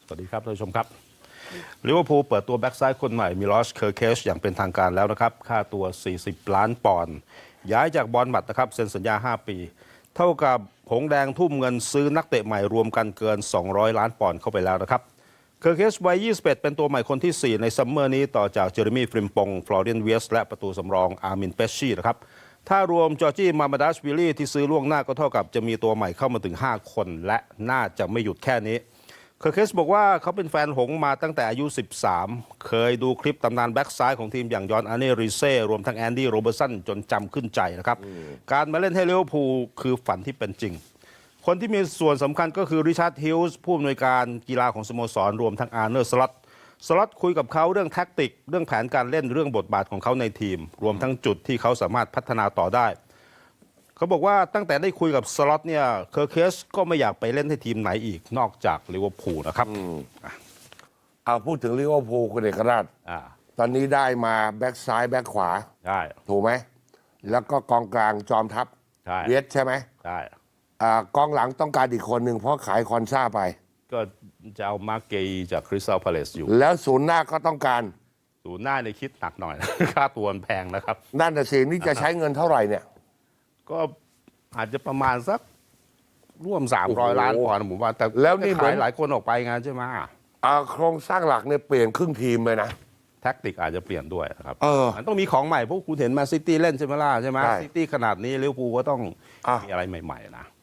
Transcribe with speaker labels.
Speaker 1: สวัสดีครับท่านผู้ชมครับลิเวอร์พูลเปิดตัวแบ็กซ้ายคนใหม่มิลอชเคอร์เคชอย่างเป็นทางการแล้วนะครับค่าตัว40 ล้านปอนด์ย้ายจากบอร์นมัธนะครับเซ็นสัญญา5 ปี เท่ากับหงแดงทุ่มเงินซื้อนักเตะใหม่รวมกันเกิน200 ล้านปอนด์เข้าไปแล้วนะครับเคอร์เคชวัย21เป็นตัวใหม่คนที่4ในซัมเมอร์นี้ต่อจากเจอร์มี่ฟริมปงฟลอเรียนเวียสและประตูสำรองอาร์มินเปชชี่นะครับถ้ารวมจอร์จี้มามาดัชวิลลี่ที่ซื้อล่วงหน้าก็เท่ากับจะมีตัวใหม่เข้ามาถึง5 คนและน่าจะไม่หยุดแค่นี้เคอร์เคสบอกว่าเขาเป็นแฟนหงมาตั้งแต่อายุ 13 เคยดูคลิปตำนานแบ็กซ้ายของทีมอย่างยอนอาร์เน่ริเซ่รวมทั้งแอนดี้โรเบอร์สันจนจำขึ้นใจนะครับการมาเล่นให้ลิเวอร์พูลคือฝันที่เป็นจริงคนที่มีส่วนสำคัญก็คือริชาร์ดฮิลส์ผู้อำนวยการกีฬาของสโมสรรวมทั้งอาร์เนอร์สล็อตคุยกับเขาเรื่องแท็กติกเรื่องแผนการเล่นเรื่องบทบาทของเขาในทีมรวมทั้งจุดที่เขาสามารถพัฒนาต่อได้เขาบอกว่าตั้งแต่ได้คุยกับสล็อตเนี่ยเคอร์เคสก็ไม่อยากไปเล่นให้ทีมไหนอีกนอกจากลิเวอร์พูลนะครับ
Speaker 2: เอาพูดถึงลิเวอร์พูลคุณเอกราชตอนนี้ได้มาแบ็กซ้ายแบ็กขวา
Speaker 1: ใช่
Speaker 2: ถูกไหมแล้วก็กองกลางจอมทัพเวียดใช่ไหม
Speaker 1: ใช่
Speaker 2: กองหลังต้องการอีกคนหนึ่งเพราะขายคอนซ่าไป
Speaker 1: ก็จะเอามาร์เกย์จากคริสตัลพาเลซอยู่
Speaker 2: แล้วศูนย์หน้าก็ต้องการ
Speaker 1: ศูนย์หน้าในคิดหนักหน่อยนะ ค่าตัวแพงนะครับ
Speaker 2: นั่นน่ะสินี่จะใช้เงินเท่าไหร่เนี่ย
Speaker 1: ก็อาจจะประมาณสักร่วม300 ล้านปอนด์ผมว่าแต่
Speaker 2: แล้วนี่
Speaker 1: ขายหลายคนออกไปงานใช่ไหม
Speaker 2: โครงสร้างหลักเนี่ยเปลี่ยนครึ่งทีมเลยนะ
Speaker 1: แท็กติกอาจจะเปลี่ยนด้วยครับมันต้องมีของใหม่พวกคุณเห็นมาซิตี้เล่นใช่ไหมล่ะใช่ไหมซิตี้ขนาดนี้ลิเวอร์พูลก็ต้องมีอะไรใหม่ๆนะ